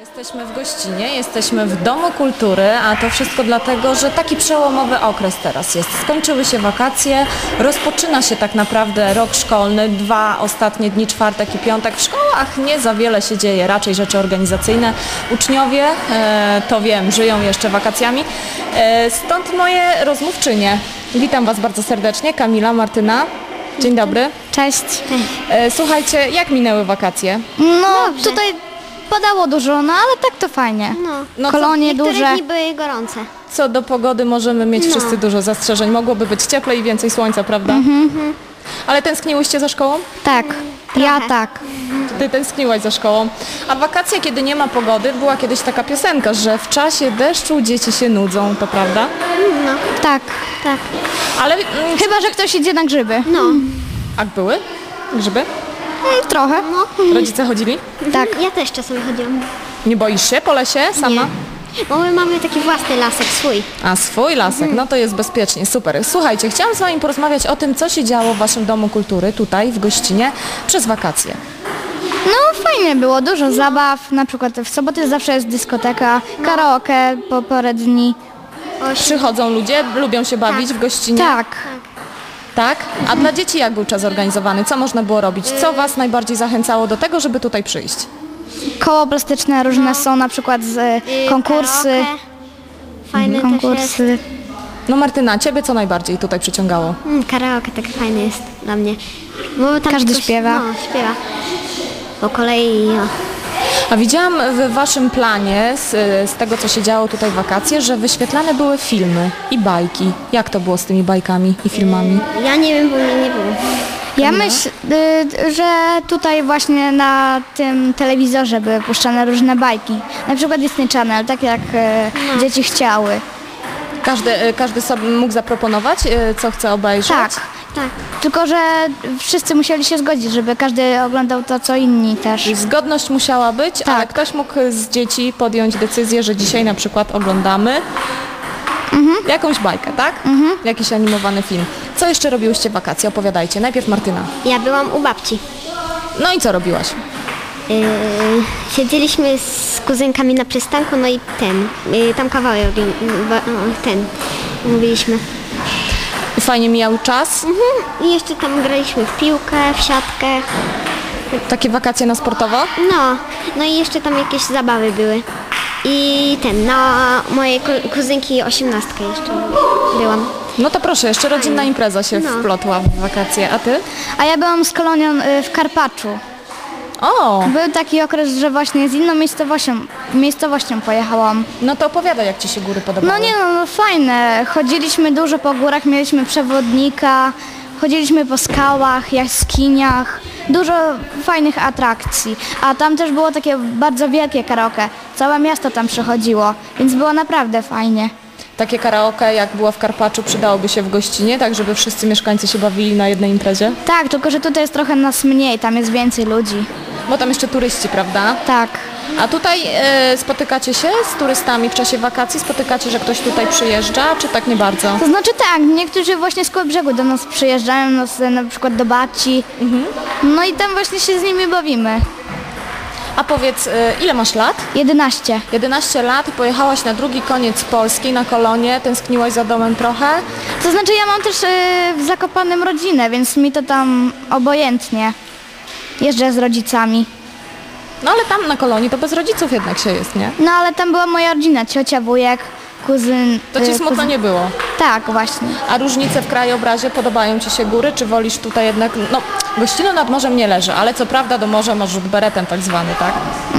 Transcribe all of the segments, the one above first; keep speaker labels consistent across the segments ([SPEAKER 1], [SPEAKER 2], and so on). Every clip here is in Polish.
[SPEAKER 1] Jesteśmy w Gościnie, jesteśmy w Domu Kultury, a to wszystko dlatego, że taki przełomowy okres teraz jest. Skończyły się wakacje, rozpoczyna się tak naprawdę rok szkolny, 2 ostatnie dni, czwartek i piątek. W szkołach nie za wiele się dzieje, raczej rzeczy organizacyjne. Uczniowie, to wiem, żyją jeszcze wakacjami. Stąd moje rozmówczynie. Witam Was bardzo serdecznie, Kamila, Martyna. Dzień dobry.
[SPEAKER 2] Cześć.
[SPEAKER 1] Słuchajcie, jak minęły wakacje?
[SPEAKER 2] No, tutaj padało dużo, no ale tak to fajnie.
[SPEAKER 1] No
[SPEAKER 2] Kolonie
[SPEAKER 3] Niektóre
[SPEAKER 2] duże.
[SPEAKER 3] dni były gorące.
[SPEAKER 1] Co do pogody możemy mieć wszyscy dużo zastrzeżeń. Mogłoby być cieplej i więcej słońca, prawda? Ale tęskniłyście za szkołą?
[SPEAKER 2] Tak, ja tak.
[SPEAKER 1] Ty tęskniłaś za szkołą. A wakacje, kiedy nie ma pogody, była kiedyś taka piosenka, że w czasie deszczu dzieci się nudzą, to prawda?
[SPEAKER 2] Tak.
[SPEAKER 3] Tak.
[SPEAKER 1] Ale
[SPEAKER 2] Chyba, że ktoś idzie na grzyby.
[SPEAKER 3] No.
[SPEAKER 1] a były grzyby?
[SPEAKER 2] Trochę.
[SPEAKER 1] Rodzice chodzili?
[SPEAKER 2] Tak.
[SPEAKER 3] Ja też czasami chodziłam.
[SPEAKER 1] Nie boisz się po lesie sama?
[SPEAKER 3] Nie. Bo my mamy taki własny lasek swój.
[SPEAKER 1] A swój lasek, no to jest bezpiecznie, super. Słuchajcie, chciałam z Wami porozmawiać o tym, co się działo w Waszym Domu Kultury, tutaj w Gościnie, przez wakacje.
[SPEAKER 2] No fajnie było, dużo zabaw. Na przykład w soboty zawsze jest dyskoteka, karaoke po parę dni.
[SPEAKER 1] Przychodzą ludzie, lubią się bawić w Gościnie?
[SPEAKER 2] Tak.
[SPEAKER 1] Tak? A dla dzieci jak był czas organizowany? Co można było robić? Co Was najbardziej zachęcało do tego, żeby tutaj przyjść?
[SPEAKER 2] Koło plastyczne różne są, na przykład konkursy.
[SPEAKER 3] Karaoke. Fajne też jest.
[SPEAKER 2] Konkursy.
[SPEAKER 1] No Martyna, Ciebie co najbardziej tutaj przyciągało?
[SPEAKER 3] Karaoke tak fajne jest dla mnie. Bo tam
[SPEAKER 2] Każdy
[SPEAKER 3] ktoś-
[SPEAKER 2] śpiewa.
[SPEAKER 3] No, śpiewa. Po kolei, no.
[SPEAKER 1] A widziałam w Waszym planie, z tego co się działo tutaj w wakacje, że wyświetlane były filmy i bajki. Jak to było z tymi bajkami i filmami?
[SPEAKER 3] Ja nie wiem, bo mnie nie było.
[SPEAKER 2] Ja myślę, że tutaj właśnie na tym telewizorze były puszczane różne bajki. Na przykład Disney Channel, tak jak dzieci chciały.
[SPEAKER 1] Każdy sobie mógł zaproponować, co chce obejrzeć?
[SPEAKER 2] Tak.
[SPEAKER 3] Tak.
[SPEAKER 2] Tylko, że wszyscy musieli się zgodzić, żeby każdy oglądał to, co inni też.
[SPEAKER 1] Zgodność musiała być, ale
[SPEAKER 2] Tak.
[SPEAKER 1] ktoś mógł z dzieci podjąć decyzję, że dzisiaj na przykład oglądamy jakąś bajkę, tak? Jakiś animowany film. Co jeszcze robiłyście w wakacje? Opowiadajcie. Najpierw Martyna.
[SPEAKER 3] Ja byłam u babci.
[SPEAKER 1] No i co robiłaś?
[SPEAKER 3] Siedzieliśmy z kuzynkami na przystanku, no i tam kawałek, mówiliśmy.
[SPEAKER 1] Fajnie mijał czas?
[SPEAKER 3] I jeszcze tam graliśmy w piłkę, w siatkę.
[SPEAKER 1] Takie wakacje na sportowo?
[SPEAKER 3] No i jeszcze tam jakieś zabawy były. I na mojej kuzynki 18 jeszcze byłam.
[SPEAKER 1] No to proszę, jeszcze rodzinna impreza się wplotła w wakacje. A ty?
[SPEAKER 2] A ja byłam z kolonią w Karpaczu.
[SPEAKER 1] O,
[SPEAKER 2] Był taki okres, że właśnie z inną miejscowością pojechałam.
[SPEAKER 1] no to opowiadaj, jak ci się góry podobały.
[SPEAKER 2] No nie no, fajne. Chodziliśmy dużo po górach, mieliśmy przewodnika, chodziliśmy po skałach, jaskiniach. Dużo fajnych atrakcji. A tam też było takie bardzo wielkie karaoke. Całe miasto tam przychodziło, więc było naprawdę fajnie.
[SPEAKER 1] Takie karaoke, jak było w Karpaczu, przydałoby się w Gościnie, tak żeby wszyscy mieszkańcy się bawili na jednej imprezie?
[SPEAKER 2] Tak, tylko że tutaj jest trochę nas mniej, tam jest więcej ludzi.
[SPEAKER 1] Bo tam jeszcze turyści, prawda?
[SPEAKER 2] Tak.
[SPEAKER 1] A tutaj spotykacie się z turystami w czasie wakacji? Spotykacie, że ktoś tutaj przyjeżdża, czy tak nie bardzo?
[SPEAKER 2] To znaczy tak, niektórzy właśnie z Kołobrzegu do nas przyjeżdżają, na przykład do babci. No i tam właśnie się z nimi bawimy.
[SPEAKER 1] A powiedz, ile masz lat?
[SPEAKER 2] 11.
[SPEAKER 1] 11 lat, pojechałaś na drugi koniec Polski, na kolonie, tęskniłaś za domem trochę?
[SPEAKER 2] To znaczy ja mam też w Zakopanem rodzinę, więc mi to tam obojętnie. Jeżdżę z rodzicami.
[SPEAKER 1] No ale tam na kolonii to bez rodziców jednak się jest, nie?
[SPEAKER 2] No ale tam była moja rodzina, ciocia, wujek, kuzyn.
[SPEAKER 1] To ci smutno nie było.
[SPEAKER 2] Tak, właśnie.
[SPEAKER 1] A różnice w krajobrazie, podobają ci się góry, czy wolisz tutaj jednak, no Gościno nad morzem nie leży, ale co prawda do morza masz rzut beretem tak zwany, tak?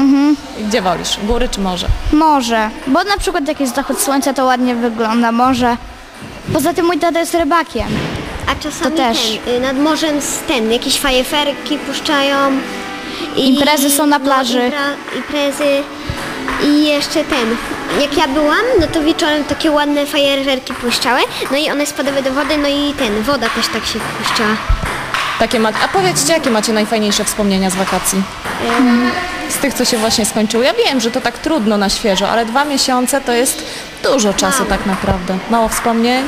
[SPEAKER 1] I gdzie wolisz, góry czy morze?
[SPEAKER 2] Morze, bo na przykład jak jest zachód słońca, to ładnie wygląda morze. Poza tym mój tata jest rybakiem.
[SPEAKER 3] A czasami
[SPEAKER 2] To też.
[SPEAKER 3] nad morzem jakieś fajerwerki puszczają.
[SPEAKER 2] Imprezy są na plaży.
[SPEAKER 3] Imprezy. I jeszcze jak ja byłam, no to wieczorem takie ładne fajerwerki puszczały, no i one spadały do wody, no i woda też tak się puszczała.
[SPEAKER 1] A powiedzcie, jakie macie najfajniejsze wspomnienia z wakacji? Z tych, co się właśnie skończyły. Ja wiem, że to tak trudno na świeżo, ale 2 miesiące to jest dużo czasu tak naprawdę. Mało wspomnień?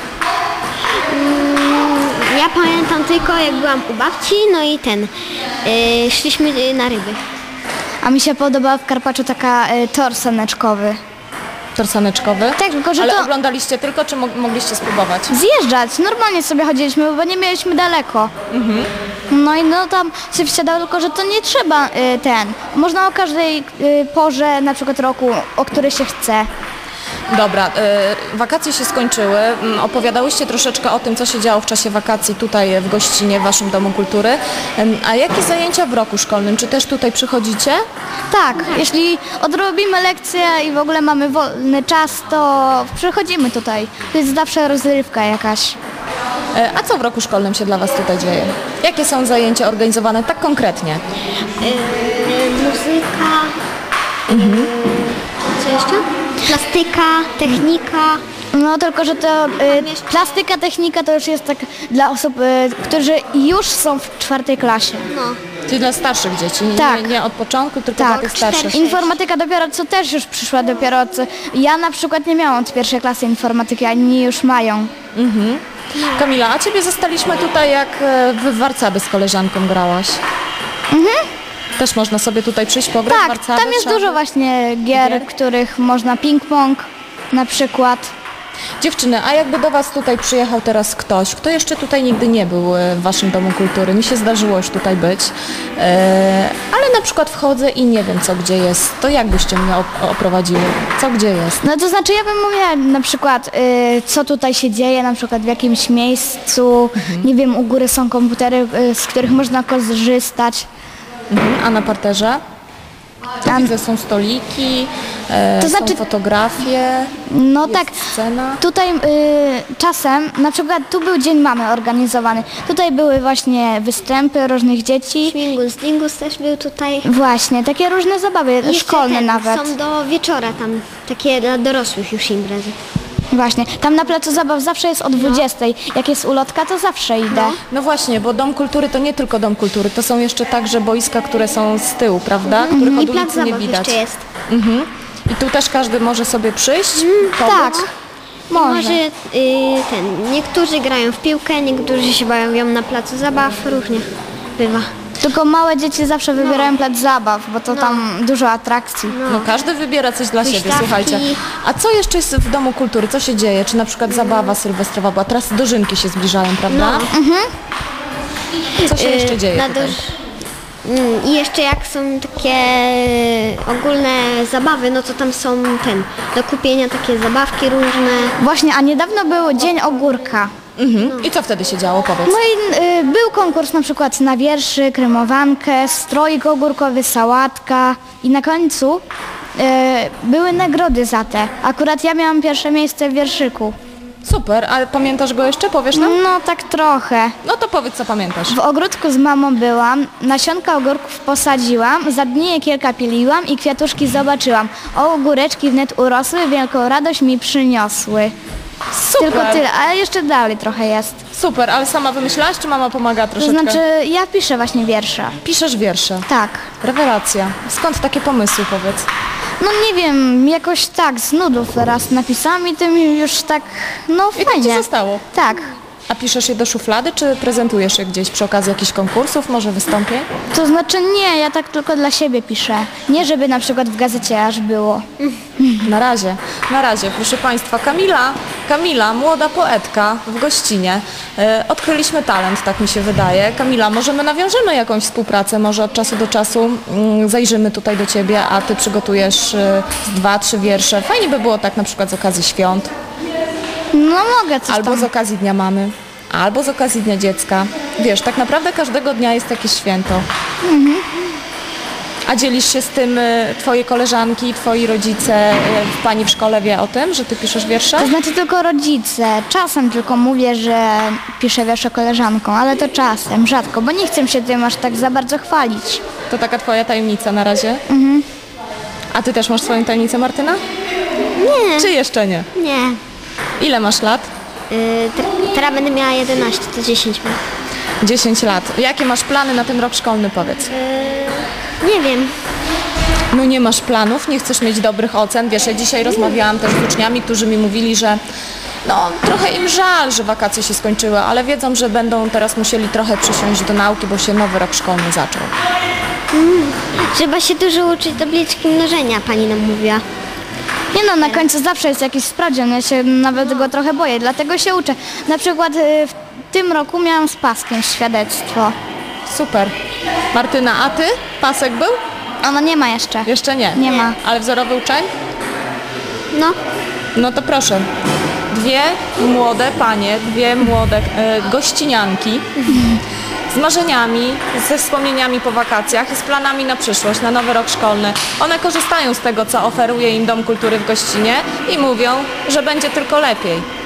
[SPEAKER 3] Ja pamiętam tylko, jak byłam u babci, no i szliśmy na ryby.
[SPEAKER 2] A mi się podobała w Karpaczu taka tor saneczkowy.
[SPEAKER 1] Tor saneczkowy?
[SPEAKER 2] Tak, tylko że
[SPEAKER 1] Ale
[SPEAKER 2] to
[SPEAKER 1] oglądaliście tylko, czy mogliście spróbować?
[SPEAKER 2] zjeżdżać. Normalnie sobie chodziliśmy, bo nie mieliśmy daleko. No i no tam się wsiadało, tylko że to nie trzeba można o każdej porze, na przykład roku, o której się chce.
[SPEAKER 1] Dobra, wakacje się skończyły. Opowiadałyście troszeczkę o tym, co się działo w czasie wakacji tutaj w gościnie, w Waszym Domu Kultury. A jakie zajęcia w roku szkolnym? Czy też tutaj przychodzicie?
[SPEAKER 2] Tak, jeśli odrobimy lekcję i w ogóle mamy wolny czas, to przychodzimy tutaj. To jest zawsze rozrywka jakaś.
[SPEAKER 1] A co w roku szkolnym się dla Was tutaj dzieje? Jakie są zajęcia organizowane tak konkretnie?
[SPEAKER 3] Muzyka, co jeszcze? Plastyka, technika.
[SPEAKER 2] No tylko, że to plastyka, technika to już jest tak dla osób, którzy już są w 4. klasie.
[SPEAKER 3] No.
[SPEAKER 1] Czyli dla starszych dzieci,
[SPEAKER 2] Tak.
[SPEAKER 1] nie od początku, tylko
[SPEAKER 2] Tak.
[SPEAKER 1] dla tych starszych.
[SPEAKER 2] Informatyka dopiero co też już przyszła dopiero co. Ja na przykład nie miałam od 1. klasy informatyki, a inni już mają.
[SPEAKER 1] Kamila, a Ciebie zostaliśmy tutaj, jak w warcaby z koleżanką grałaś. Też można sobie tutaj przyjść, pograć w
[SPEAKER 2] Tak,
[SPEAKER 1] warcaby?
[SPEAKER 2] tam jest
[SPEAKER 1] Trzeba-
[SPEAKER 2] dużo właśnie gier, w których można ping-pong na przykład.
[SPEAKER 1] Dziewczyny, a jakby do Was tutaj przyjechał teraz ktoś, kto jeszcze tutaj nigdy nie był w Waszym Domu Kultury, mi się zdarzyło już tutaj być, ale na przykład wchodzę i nie wiem, co gdzie jest, to jak byście mnie oprowadziły? Co gdzie jest?
[SPEAKER 2] No to znaczy ja bym mówiła na przykład co tutaj się dzieje, na przykład w jakimś miejscu, nie wiem, u góry są komputery, z których można korzystać.
[SPEAKER 1] A na parterze? To
[SPEAKER 2] A-
[SPEAKER 1] widzę, są stoliki,
[SPEAKER 2] To znaczy-
[SPEAKER 1] są fotografie,
[SPEAKER 2] No
[SPEAKER 1] jest
[SPEAKER 2] tak,
[SPEAKER 1] scena.
[SPEAKER 2] tutaj czasem, na przykład tu był Dzień Mamy organizowany. Tutaj były właśnie występy różnych dzieci.
[SPEAKER 3] Dingus. Dingus też był tutaj.
[SPEAKER 2] Właśnie, takie różne zabawy,
[SPEAKER 3] Jeszcze
[SPEAKER 2] szkolne nawet.
[SPEAKER 3] Są do wieczora tam, takie dla dorosłych już imprezy.
[SPEAKER 2] Właśnie, tam na placu zabaw zawsze jest o 20. Jak jest ulotka, to zawsze idę.
[SPEAKER 1] No właśnie, bo Dom Kultury to nie tylko Dom Kultury, to są jeszcze także boiska, które są z tyłu, prawda? Których
[SPEAKER 3] I
[SPEAKER 1] od
[SPEAKER 3] plac
[SPEAKER 1] ulicy nie
[SPEAKER 3] zabaw
[SPEAKER 1] widać.
[SPEAKER 3] jeszcze jest.
[SPEAKER 1] I tu też każdy może sobie przyjść, pobyć.
[SPEAKER 2] Tak, może.
[SPEAKER 3] Może niektórzy grają w piłkę, niektórzy się bawią na placu zabaw, różnie bywa.
[SPEAKER 2] Tylko małe dzieci zawsze wybierają plac zabaw, bo to tam dużo atrakcji.
[SPEAKER 1] No każdy wybiera coś dla siebie,
[SPEAKER 3] Huśtawki.
[SPEAKER 1] słuchajcie. A co jeszcze jest w Domu Kultury? Co się dzieje? Czy na przykład zabawa sylwestrowa była? Teraz dożynki się zbliżają, prawda? Co się jeszcze dzieje
[SPEAKER 3] Na
[SPEAKER 1] tutaj?
[SPEAKER 3] I jeszcze jak są takie ogólne zabawy, no to tam są do kupienia takie zabawki różne.
[SPEAKER 2] Właśnie, a niedawno był Dzień Ogórka.
[SPEAKER 1] I co wtedy się działo? Powiedz.
[SPEAKER 2] No i był konkurs na przykład na wierszyk, rymowankę, stroik ogórkowy, sałatka i na końcu były nagrody za te. Akurat ja miałam pierwsze miejsce w wierszyku.
[SPEAKER 1] Super, ale pamiętasz go jeszcze? Powiesz nam?
[SPEAKER 2] No tak trochę.
[SPEAKER 1] No to powiedz, co pamiętasz.
[SPEAKER 2] W ogródku z mamą byłam, nasionka ogórków posadziłam, za dni je kilka piliłam i kwiatuszki zobaczyłam. O, ogóreczki wnet urosły, wielką radość mi przyniosły.
[SPEAKER 1] Super,
[SPEAKER 2] Tylko tyle, ale jeszcze dalej trochę jest.
[SPEAKER 1] super, ale sama wymyślałaś, czy mama pomaga
[SPEAKER 2] To
[SPEAKER 1] troszeczkę?
[SPEAKER 2] znaczy, ja piszę właśnie wiersze.
[SPEAKER 1] Piszesz wiersze.
[SPEAKER 2] Tak.
[SPEAKER 1] Rewelacja. Skąd takie pomysły, powiedz?
[SPEAKER 2] No nie wiem, jakoś tak z nudów raz napisałam i tym już tak, no
[SPEAKER 1] I to ci
[SPEAKER 2] fajnie.
[SPEAKER 1] zostało.
[SPEAKER 2] Tak.
[SPEAKER 1] A piszesz je do szuflady, czy prezentujesz je gdzieś przy okazji jakichś konkursów, może wystąpień?
[SPEAKER 2] To znaczy nie, ja tak tylko dla siebie piszę. Nie żeby na przykład w gazecie aż było.
[SPEAKER 1] Na razie, proszę Państwa, Kamila, młoda poetka w gościnie. Odkryliśmy talent, tak mi się wydaje. Kamila, może my nawiążemy jakąś współpracę, może od czasu do czasu zajrzymy tutaj do Ciebie, a Ty przygotujesz 2-3 wiersze. Fajnie by było tak na przykład z okazji świąt,
[SPEAKER 2] No mogę coś
[SPEAKER 1] albo
[SPEAKER 2] tam.
[SPEAKER 1] z okazji Dnia Mamy, albo z okazji Dnia Dziecka. Wiesz, tak naprawdę każdego dnia jest jakieś święto. A dzielisz się z tym Twoje koleżanki, Twoi rodzice, Pani w szkole wie o tym, że Ty piszesz wiersze?
[SPEAKER 2] To znaczy tylko rodzice. Czasem tylko mówię, że piszę wiersze koleżankom, ale to czasem, rzadko, bo nie chcę się tym aż tak za bardzo chwalić.
[SPEAKER 1] To taka Twoja tajemnica na razie? A Ty też masz swoją tajemnicę, Martyna?
[SPEAKER 3] Nie,
[SPEAKER 1] Czy jeszcze nie?
[SPEAKER 3] nie.
[SPEAKER 1] Ile masz lat?
[SPEAKER 3] Teraz będę miała 11, to 10 mam.
[SPEAKER 1] 10 lat. Jakie masz plany na ten rok szkolny, powiedz?
[SPEAKER 3] Nie wiem.
[SPEAKER 1] No nie masz planów, nie chcesz mieć dobrych ocen. Wiesz, ja dzisiaj rozmawiałam też z uczniami, którzy mi mówili, że no trochę im żal, że wakacje się skończyły, ale wiedzą, że będą teraz musieli trochę przysiąść do nauki, bo się nowy rok szkolny zaczął.
[SPEAKER 3] Trzeba się dużo uczyć tabliczki mnożenia, pani nam mówiła.
[SPEAKER 2] Nie no, na końcu zawsze jest jakiś sprawdzian, ja się nawet go trochę boję, dlatego się uczę. Na przykład w tym roku miałam z paskiem świadectwo.
[SPEAKER 1] Super. Martyna, a ty? Pasek był?
[SPEAKER 2] Ona nie ma jeszcze.
[SPEAKER 1] Jeszcze nie.
[SPEAKER 2] Nie ma.
[SPEAKER 1] Ale wzorowy uczeń?
[SPEAKER 3] No,
[SPEAKER 1] No to proszę. Dwie młode panie, dwie młode gościnianki z marzeniami, ze wspomnieniami po wakacjach i z planami na przyszłość, na nowy rok szkolny. One korzystają z tego, co oferuje im Dom Kultury w Gościnie i mówią, że będzie tylko lepiej.